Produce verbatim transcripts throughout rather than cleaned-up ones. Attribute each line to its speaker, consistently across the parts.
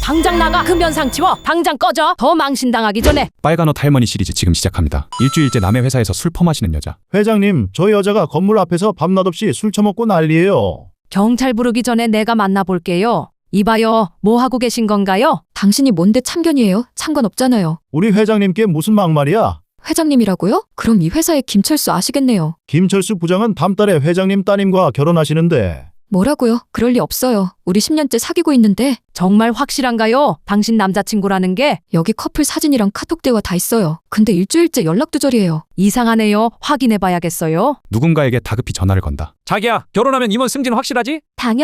Speaker 1: 당장 나가. 금연상 치워. 당장 꺼져. 더 망신당하기 전에.
Speaker 2: 빨간 옷 할머니 시리즈 지금 시작합니다. 일주일째 남의 회사에서 술 퍼마시는 여자.
Speaker 3: 회장님, 저 여자가 건물 앞에서 밤낮없이 술 처먹고 난리예요.
Speaker 1: 경찰 부르기 전에 내가 만나볼게요. 이봐요. 뭐 하고 계신 건가요?
Speaker 4: 당신이 뭔데 참견이에요? 상관없잖아요.
Speaker 3: 우리 회장님께 무슨 막말이야?
Speaker 4: 회장님이라고요? 그럼 이 회사의 김철수 아시겠네요.
Speaker 3: 김철수 부장은 다음 달에 회장님 따님과 결혼하시는데.
Speaker 4: 뭐라고요? 그럴 리 없어요. 우리 십 년째 사귀고 있는데.
Speaker 1: 정말 확실한가요? 당신 남자친구라는 게?
Speaker 4: 여기 커플 사진이랑 카톡 대화 다 있어요. 근데 일주일째 연락 두절이에요.
Speaker 1: 이상하네요. 확인해봐야겠어요.
Speaker 2: 누군가에게 다급히 전화를 건다.
Speaker 5: 자기야, 결혼하면 임원 승진 확실하지?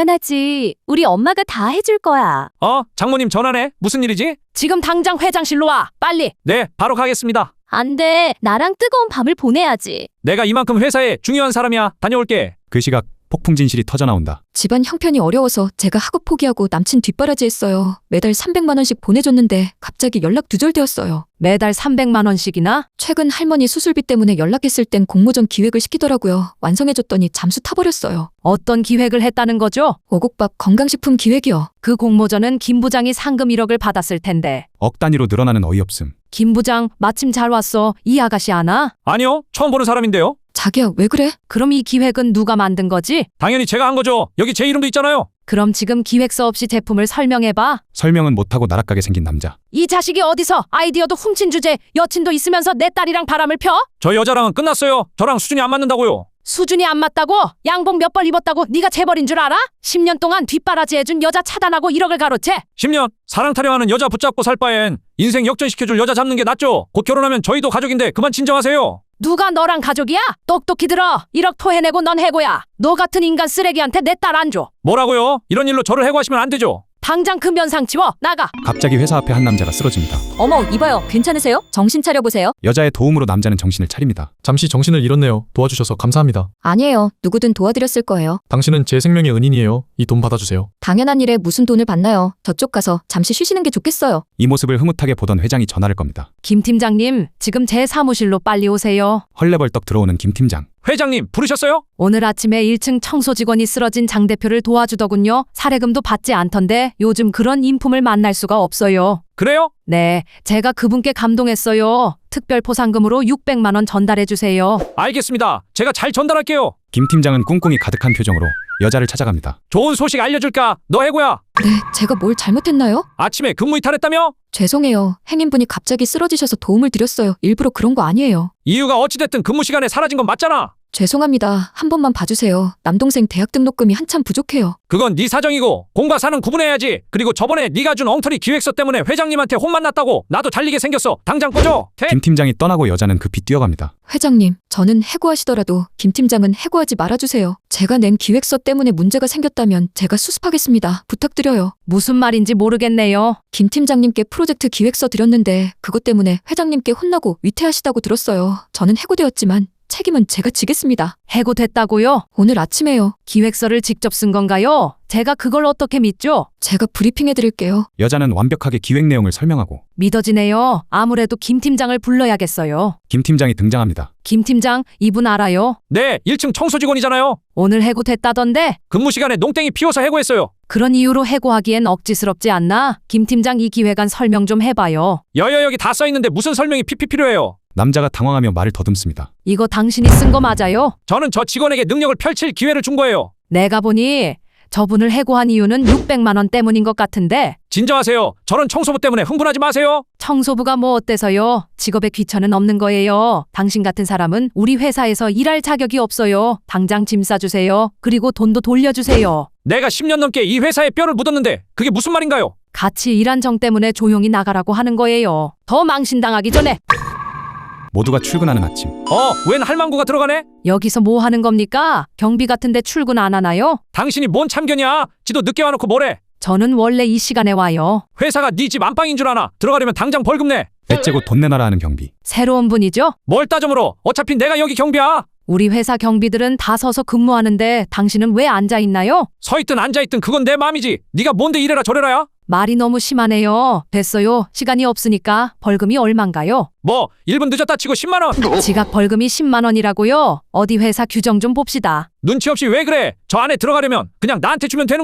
Speaker 6: 당연하지. 우리 엄마가 다 해줄 거야.
Speaker 5: 어? 장모님 전화네. 무슨 일이지?
Speaker 1: 지금 당장 회장실로 와. 빨리.
Speaker 5: 네, 바로 가겠습니다.
Speaker 6: 안 돼. 나랑 뜨거운 밤을 보내야지.
Speaker 5: 내가 이만큼 회사에 중요한 사람이야. 다녀올게.
Speaker 2: 그 시각 폭풍 진실이 터져나온다.
Speaker 4: 집안 형편이 어려워서 제가 학업 포기하고 남친 뒷바라지 했어요. 매달 삼백만 원씩 보내줬는데 갑자기 연락 두절되었어요.
Speaker 1: 매달 삼백만 원씩이나?
Speaker 4: 최근 할머니 수술비 때문에 연락했을 땐 공모전 기획을 시키더라고요. 완성해줬더니 잠수 타버렸어요.
Speaker 1: 어떤 기획을 했다는 거죠?
Speaker 4: 오곡밥 건강식품 기획이요.
Speaker 1: 그 공모전은 김 부장이 상금 일억을 받았을 텐데.
Speaker 2: 억 단위로 늘어나는 어이없음.
Speaker 1: 김 부장 마침 잘 왔어. 이 아가씨 아나?
Speaker 5: 아니요, 처음 보는 사람인데요.
Speaker 4: 자기야, 왜 그래?
Speaker 1: 그럼 이 기획은 누가 만든 거지?
Speaker 5: 당연히 제가 한 거죠. 여기 제 이름도 있잖아요.
Speaker 1: 그럼 지금 기획서 없이 제품을 설명해봐.
Speaker 2: 설명은 못하고 나락가게 생긴 남자.
Speaker 1: 이 자식이 어디서 아이디어도 훔친 주제, 여친도 있으면서 내 딸이랑 바람을 펴?
Speaker 5: 저 여자랑은 끝났어요. 저랑 수준이 안 맞는다고요.
Speaker 1: 수준이 안 맞다고? 양복 몇 벌 입었다고 네가 재벌인 줄 알아? 십 년 동안 뒷바라지 해준 여자 차단하고 일억을 가로채?
Speaker 5: 십 년 사랑 타령하는 여자 붙잡고 살 바엔 인생 역전시켜줄 여자 잡는 게 낫죠. 곧 결혼하면 저희도 가족인데 그만 진정하세요.
Speaker 1: 누가 너랑 가족이야? 똑똑히 들어. 일억 토해내고 넌 해고야. 너 같은 인간 쓰레기한테 내 딸 안 줘.
Speaker 5: 뭐라고요? 이런 일로 저를 해고하시면 안 되죠.
Speaker 1: 당장 금연상 치워. 나가.
Speaker 2: 갑자기 회사 앞에 한 남자가 쓰러집니다.
Speaker 6: 어머, 이봐요. 괜찮으세요? 정신 차려보세요.
Speaker 2: 여자의 도움으로 남자는 정신을 차립니다.
Speaker 7: 잠시 정신을 잃었네요. 도와주셔서 감사합니다.
Speaker 4: 아니에요. 누구든 도와드렸을 거예요.
Speaker 7: 당신은 제 생명의 은인이에요. 이 돈 받아주세요.
Speaker 4: 당연한 일에 무슨 돈을 받나요? 저쪽 가서 잠시 쉬시는 게 좋겠어요.
Speaker 2: 이 모습을 흐뭇하게 보던 회장이 전화를 겁니다.
Speaker 1: 김 팀장님, 지금 제 사무실로 빨리 오세요.
Speaker 2: 헐레벌떡 들어오는 김 팀장.
Speaker 5: 회장님 부르셨어요?
Speaker 1: 오늘 아침에 일 층 청소 직원이 쓰러진 장 대표를 도와주더군요. 사례금도 받지 않던데 요즘 그런 인품을 만날 수가 없어요.
Speaker 5: 그래요?
Speaker 1: 네, 제가 그분께 감동했어요. 특별 포상금으로 육백만 원 전달해 주세요.
Speaker 5: 알겠습니다. 제가 잘 전달할게요.
Speaker 2: 김 팀장은 꿍꿍이 가득한 표정으로 여자를 찾아갑니다.
Speaker 5: 좋은 소식 알려줄까? 너 해고야.
Speaker 4: 네, 제가 뭘 잘못했나요?
Speaker 5: 아침에 근무 이탈했다며?
Speaker 4: 죄송해요. 행인분이 갑자기 쓰러지셔서 도움을 드렸어요. 일부러 그런 거 아니에요.
Speaker 5: 이유가 어찌됐든 근무 시간에 사라진 건 맞잖아.
Speaker 4: 죄송합니다. 한 번만 봐주세요. 남동생 대학 등록금이 한참 부족해요.
Speaker 5: 그건 네 사정이고 공과 사는 구분해야지. 그리고 저번에 네가 준 엉터리 기획서 때문에 회장님한테 혼만 났다고. 나도 잘리게 생겼어. 당장 꺼져. 태...
Speaker 2: 김 팀장이 떠나고 여자는 급히 뛰어갑니다.
Speaker 4: 회장님, 저는 해고하시더라도 김 팀장은 해고하지 말아주세요. 제가 낸 기획서 때문에 문제가 생겼다면 제가 수습하겠습니다. 부탁드려요.
Speaker 1: 무슨 말인지 모르겠네요.
Speaker 4: 김 팀장님께 프로젝트 기획서 드렸는데 그것 때문에 회장님께 혼나고 위태하시다고 들었어요. 저는 해고되었지만 책임은 제가 지겠습니다.
Speaker 1: 해고됐다고요?
Speaker 4: 오늘 아침에요.
Speaker 1: 기획서를 직접 쓴 건가요? 제가 그걸 어떻게 믿죠?
Speaker 4: 제가 브리핑해드릴게요.
Speaker 2: 여자는 완벽하게 기획 내용을 설명하고
Speaker 1: 믿어지네요. 아무래도 김 팀장을 불러야겠어요.
Speaker 2: 김 팀장이 등장합니다.
Speaker 1: 김 팀장, 이분 알아요?
Speaker 5: 네, 일 층 청소 직원이잖아요.
Speaker 1: 오늘 해고됐다던데?
Speaker 5: 근무 시간에 농땡이 피워서 해고했어요.
Speaker 1: 그런 이유로 해고하기엔 억지스럽지 않나? 김 팀장 이 기획안 설명 좀 해봐요.
Speaker 5: 여여 여기 다 써있는데 무슨 설명이 피피 필요해요.
Speaker 2: 남자가 당황하며 말을 더듬습니다.
Speaker 1: 이거 당신이 쓴 거 맞아요?
Speaker 5: 저는 저 직원에게 능력을 펼칠 기회를 준 거예요.
Speaker 1: 내가 보니 저분을 해고한 이유는 육백만 원 때문인 것 같은데.
Speaker 5: 진정하세요. 저는 청소부 때문에 흥분하지 마세요.
Speaker 1: 청소부가 뭐 어때서요? 직업에 귀천은 없는 거예요. 당신 같은 사람은 우리 회사에서 일할 자격이 없어요. 당장 짐 싸주세요. 그리고 돈도 돌려주세요.
Speaker 5: 내가 십 년 넘게 이 회사에 뼈를 묻었는데 그게 무슨 말인가요?
Speaker 1: 같이 일한 정 때문에 조용히 나가라고 하는 거예요. 더 망신당하기 전에.
Speaker 2: 모두가 출근하는 아침.
Speaker 5: 어, 웬 할망구가 들어가네?
Speaker 1: 여기서 뭐 하는 겁니까? 경비 같은데 출근 안 하나요?
Speaker 5: 당신이 뭔 참견이야? 지도 늦게 와놓고 뭐래?
Speaker 1: 저는 원래 이 시간에 와요.
Speaker 5: 회사가 네 집 안방인 줄 아나? 들어가려면 당장 벌금 내.
Speaker 2: 배째고 돈 내놔라 하는 경비.
Speaker 1: 새로운 분이죠?
Speaker 5: 뭘 따져 물어? 어차피 내가 여기 경비야.
Speaker 1: 우리 회사 경비들은 다 서서 근무하는데 당신은 왜 앉아있나요?
Speaker 5: 서있든 앉아있든 그건 내 맘이지. 네가 뭔데 이래라 저래라야?
Speaker 1: 말이 너무 심하네요. 됐어요. 시간이 없으니까 벌금이 얼만가요?
Speaker 5: 뭐 일 분 늦었다 치고 십만 원.
Speaker 1: 지각 벌금이 십만 원이라고요? 어디 회사 규정 좀 봅시다.
Speaker 5: 눈치 없이 왜 그래? 저 안에 들어가려면 그냥 나한테 주면 되는 거야.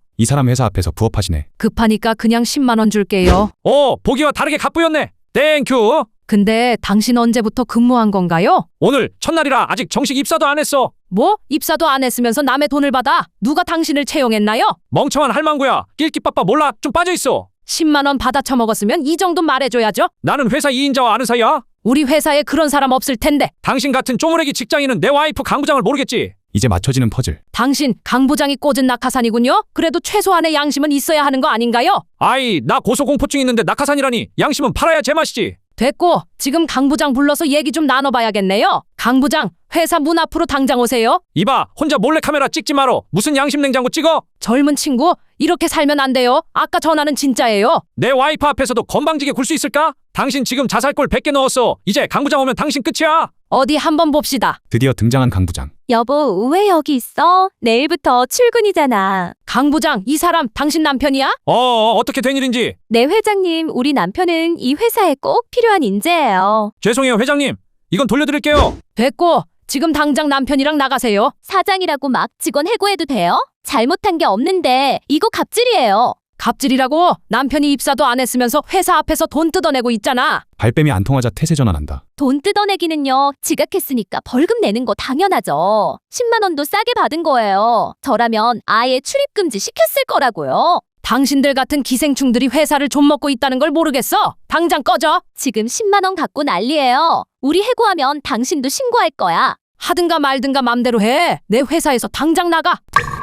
Speaker 2: 이 사람 회사 앞에서 부업하시네.
Speaker 1: 급하니까 그냥 십만 원 줄게요.
Speaker 5: 오, 보기와 다르게 갚부였네. 땡큐.
Speaker 1: 근데 당신 언제부터 근무한 건가요?
Speaker 5: 오늘 첫날이라 아직 정식 입사도 안 했어.
Speaker 1: 뭐? 입사도 안 했으면서 남의 돈을 받아? 누가 당신을 채용했나요?
Speaker 5: 멍청한 할망구야. 낄끼빠빠 몰라. 좀 빠져있어.
Speaker 1: 십만 원 받아 처먹었으면 이 정도 말해줘야죠.
Speaker 5: 나는 회사 이인자와 아는 사이야.
Speaker 1: 우리 회사에 그런 사람 없을 텐데.
Speaker 5: 당신 같은 쪼무레기 직장인은 내 와이프 강 부장을 모르겠지.
Speaker 2: 이제 맞춰지는 퍼즐.
Speaker 1: 당신 강 부장이 꽂은 낙하산이군요. 그래도 최소한의 양심은 있어야 하는 거 아닌가요?
Speaker 5: 아이, 나 고소공포증 있는데 낙하산이라니. 양심은 팔아야 제맛이지.
Speaker 1: 됐고, 지금 강 부장 불러서 얘기 좀 나눠봐야겠네요. 강 부장, 회사 문 앞으로 당장 오세요.
Speaker 5: 이봐, 혼자 몰래카메라 찍지 마라. 무슨 양심 냉장고 찍어?
Speaker 1: 젊은 친구, 이렇게 살면 안 돼요. 아까 전화는 진짜예요.
Speaker 5: 내 와이프 앞에서도 건방지게 굴 수 있을까? 당신 지금 자살골 백 개 넣었어. 이제 강 부장 오면 당신 끝이야.
Speaker 1: 어디 한번 봅시다.
Speaker 2: 드디어 등장한 강 부장.
Speaker 6: 여보, 왜 여기 있어? 내일부터 출근이잖아.
Speaker 1: 강 부장, 이 사람 당신 남편이야?
Speaker 5: 어, 어, 어떻게 된 일인지.
Speaker 6: 네, 회장님, 우리 남편은 이 회사에 꼭 필요한 인재예요.
Speaker 5: 죄송해요, 회장님. 이건 돌려드릴게요.
Speaker 1: 됐고, 지금 당장 남편이랑 나가세요.
Speaker 6: 사장이라고 막 직원 해고해도 돼요? 잘못한 게 없는데 이거 갑질이에요.
Speaker 1: 갑질이라고 남편이 입사도 안 했으면서 회사 앞에서 돈 뜯어내고 있잖아.
Speaker 2: 발뺌이 안 통하자 태세 전환한다.
Speaker 6: 돈 뜯어내기는요, 지각했으니까 벌금 내는 거 당연하죠. 십만 원도 싸게 받은 거예요. 저라면 아예 출입금지 시켰을 거라고요.
Speaker 1: 당신들 같은 기생충들이 회사를 좀 먹고 있다는 걸 모르겠어? 당장 꺼져.
Speaker 6: 지금 십만 원 갖고 난리예요. 우리 해고하면 당신도 신고할 거야.
Speaker 1: 하든가 말든가 맘대로 해. 내 회사에서 당장 나가.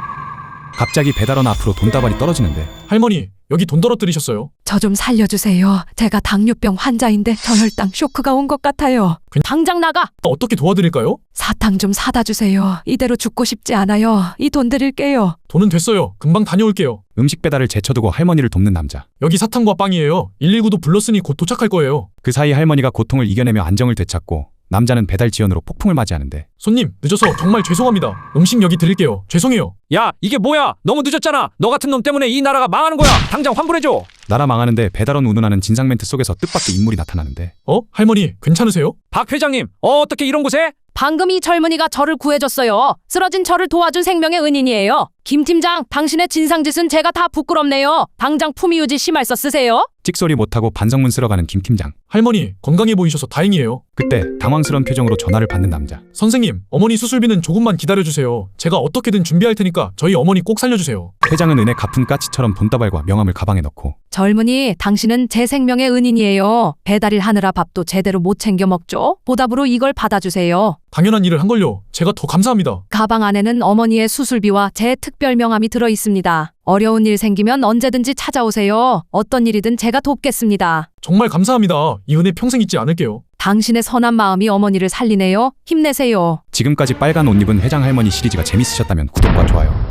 Speaker 2: 갑자기 배달원 앞으로 돈다발이 떨어지는데
Speaker 7: 할머니, 여기 돈 떨어뜨리셨어요.
Speaker 1: 저 좀 살려주세요. 제가 당뇨병 환자인데 저혈당 쇼크가 온 것 같아요. 당장 나가.
Speaker 7: 어떻게 도와드릴까요?
Speaker 1: 사탕 좀 사다 주세요. 이대로 죽고 싶지 않아요. 이 돈 드릴게요.
Speaker 7: 돈은 됐어요. 금방 다녀올게요.
Speaker 2: 음식 배달을 제쳐두고 할머니를 돕는 남자.
Speaker 7: 여기 사탕과 빵이에요. 일일구도 불렀으니 곧 도착할 거예요.
Speaker 2: 그 사이 할머니가 고통을 이겨내며 안정을 되찾고 남자는 배달 지연으로 폭풍을 맞이하는데
Speaker 7: 손님, 늦어서 정말 죄송합니다. 음식 여기 드릴게요. 죄송해요.
Speaker 5: 야, 이게 뭐야? 너무 늦었잖아. 너 같은 놈 때문에 이 나라가 망하는 거야. 당장 환불해줘.
Speaker 2: 나라 망하는데 배달원 운운하는 진상 멘트 속에서 뜻밖의 인물이 나타나는데
Speaker 7: 어? 할머니, 괜찮으세요?
Speaker 5: 박 회장님, 어, 어떻게 이런 곳에?
Speaker 1: 방금 이 젊은이가 저를 구해줬어요. 쓰러진 저를 도와준 생명의 은인이에요. 김 팀장, 당신의 진상짓은 제가 다 부끄럽네요. 당장 품위유지 심할서 쓰세요.
Speaker 2: 찍소리 못하고 반성문 쓸어가는 김 팀장.
Speaker 7: 할머니, 건강해 보이셔서 다행이에요.
Speaker 2: 그때 당황스러운 표정으로 전화를 받는 남자.
Speaker 7: 선생님, 어머니 수술비는 조금만 기다려주세요. 제가 어떻게든 준비할 테니까 저희 어머니 꼭 살려주세요.
Speaker 2: 회장은 은혜 갚은 까치처럼 돈다발과 명함을 가방에 넣고
Speaker 1: 젊은이, 당신은 제 생명의 은인이에요. 배달일 하느라 밥도 제대로 못 챙겨 먹죠? 보답으로 이걸 받아주세요.
Speaker 7: 당연한 일을 한 걸요. 제가 더 감사합니다.
Speaker 1: 가방 안에는 어머니의 수술비와 제 특별 명함이 들어 있습니다. 어려운 일 생기면 언제든지 찾아오세요. 어떤 일이든 제가 돕겠습니다.
Speaker 7: 정말 감사합니다. 이 은혜 평생 잊지 않을게요.
Speaker 1: 당신의 선한 마음이 어머니를 살리네요. 힘내세요.
Speaker 2: 지금까지 빨간 옷 입은 회장 할머니 시리즈가 재밌으셨다면 구독과 좋아요